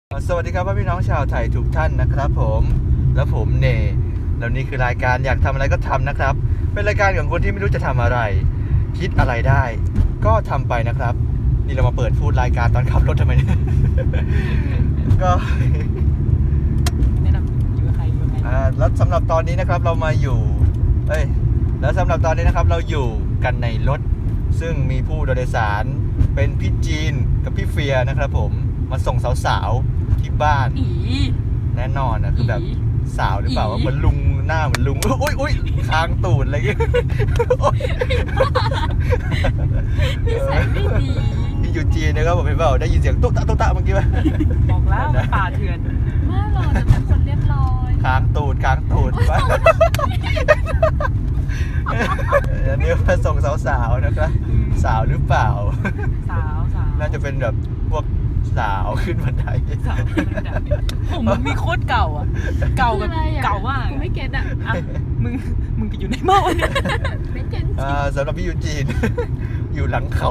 สวัสดีครับพี่น้องชาวไทยทุกท่านนะครับผมแล้วผมเนแล้วนี่คือรายการอยากทำอะไรก็ทำนะครับเป็นรายการของคนที่ไม่รู้จะทำอะไรคิดอะไรได้ก็ทำไปนะครับนี่เรามาเปิดพูดรายการตอนขับรถทำไมเนี่ย ก็แนะนำอยู่กับใครแล้วสำหรับตอนนี้นะครับเรามาอยู่แล้วสำหรับตอนนี้นะครับเราอยู่กันในรถซึ่งมีผู้โดยสารเป็นพี่จีนกับพี่เฟียนะครับผมมาส่งสาวๆที่บ้านแน่นอนนะคือแบบสาวหรือเปล่าว่าเหมือนลุงหน้าเหมือนลุงอุ้ยค้างตูดอะไรเงี้ยพี่ยูจีนะครับผมเห็นเปล่าได้ยินเสียงตุ๊กตะเมื่อกี้ไหมบอกแล้วป่าเถื่อนไม่หรอกแต่คนเรียบร้อยค้างตูดไปอันนี้มาส่งสาวๆนะครับสาวหรือเปล่าสาวน่าจะเป็นแบบพวกสาวขึ้นบันไดผมมีโคตรเก่าอ่ะเก่าแบบเก่ามากกูไม่เก็ตอ่ะมึงก็อยู่ในเมาเนี่ยไม่เก็ตสำหรับพี่ยูจีนอยู่หลังเขา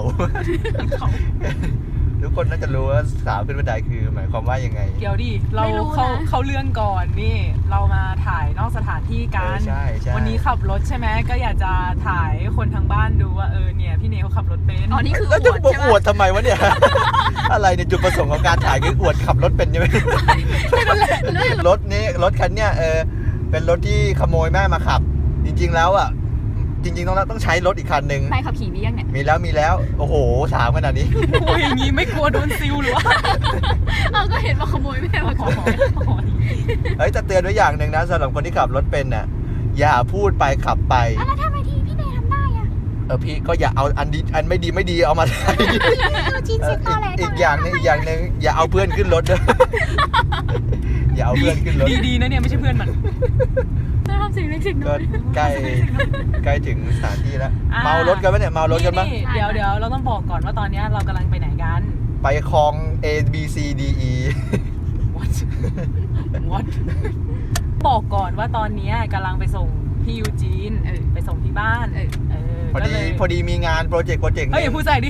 ทุกคนน่าจะรู้ว่าสาวขึ้นบันไดคือหมายความว่ายังไงเดี๋ยวดิเราเข้าเรื่องก่อนนี่เรามาถ่ายนอกสถานที่กันวันนี้ขับรถใช่ไหมก็อยากจะถ่ายคนทางบ้านดูว่าเนี่ยพี่เนเขาขับรถเป็นอ๋อนี่คือแล้วจะอวดทำไมวะเนี่ยอะไรเนี่ยจุดประสงค์ของการถ่ายคืออวดขับรถเป็นใช่ไหมรถคันเนี้ยเป็นรถที่ขโมยแม่มาขับจริงๆแล้วอ่ะจริงๆต้องใช้รถอีกคันหนึ่งใครขับขี่มียังเนี่ยมีแล้วโอ้โหถามขนาดนี้โอ้ยอย่างนี้ไม่กลัวโดนซิลหรือวะก็เห็นว่าขโมยแม่มาขับจะเตือนไว้อย่างหนึ่งนะสำหรับคนที่ขับรถเป็นน่ะอย่าพูดไปขับไปแล้วทำไมทีพี่เนยทำได้อะพี่ก็อย่าเอาอันไม่ดีเอามาใช้อีกอย่างนึงอย่าเอาเพื่อนขึ้นรถด้วยอย่าเอาเพื่อนขึ้นรถดีนะเนี่ยไม่ใช่เพื่อนมันทำสิ่งเล็กสิ่งน้อยใกล้ถึงสถานที่แล้วเมารถกันไหมเนี่ยเมารถกันปะเดี๋ยวเราต้องบอกก่อนว่าตอนนี้เรากำลังไปไหนกันไปคลอง A B C D E What บอกก่อนว่าตอนนี้กำลังไปส่งพี่ยูจีนไปส่งที่บ้านพอดีมีงานโปรเจกต์อย่าพูดใส่ดิ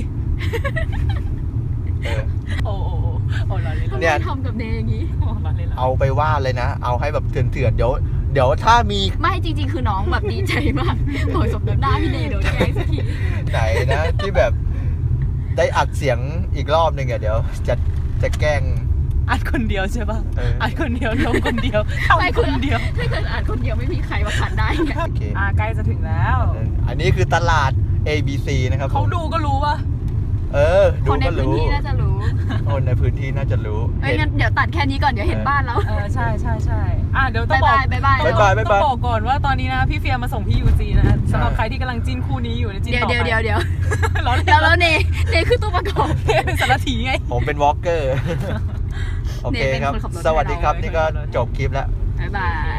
โอ้เราเล่นเนี่ยทำกับเนยอย่างนี้เอาไปว่าเลยนะเอาให้แบบเถื่อนเดี๋ยวถ้ามีไม่จริงๆคือน้องแบบดีใจมากโอยสมน้ำหน้าพี่เนยเดี๋ยวแกสักทีไหนนะที่แบบได้อัดเสียงอีกรอบนึงเดี๋ยวจะแกล้งอัดคนเดียวใช่ป่ะอัดคนเดียวลงคนเดียวทำคนเดียวถ้าเกิดอัดคนเดียวไม่มีใครมาขัดได้ไงใกล้จะถึงแล้วอันนี้คือตลาด ABC นะครับเขาดูก็รู้ป่ะดูก็รู้คนในพื้นที่น่าจะรู้คนในพื้นที่น่าจะรู้งั้นเดี๋ยวตัดแค่นี้ก่อนเดี๋ยวเห็นบ้านแล้วใช่เดี๋ยวต้องบอกก่อนว่าตอนนี้นะพี่เฟียมาส่งพี่ยูจีนะสำหรับใครที่กำลังจิ้นคู่นี้อยู่จิ้นต่อไปเดี๋ยวแล้วเนคือตัวประกอบเป็นสารถีไงผมเป็นวอล์กเกอร์โอเคครับสวัสดีครับนี่ก็จบคลิปแล้วบ๊ายบาย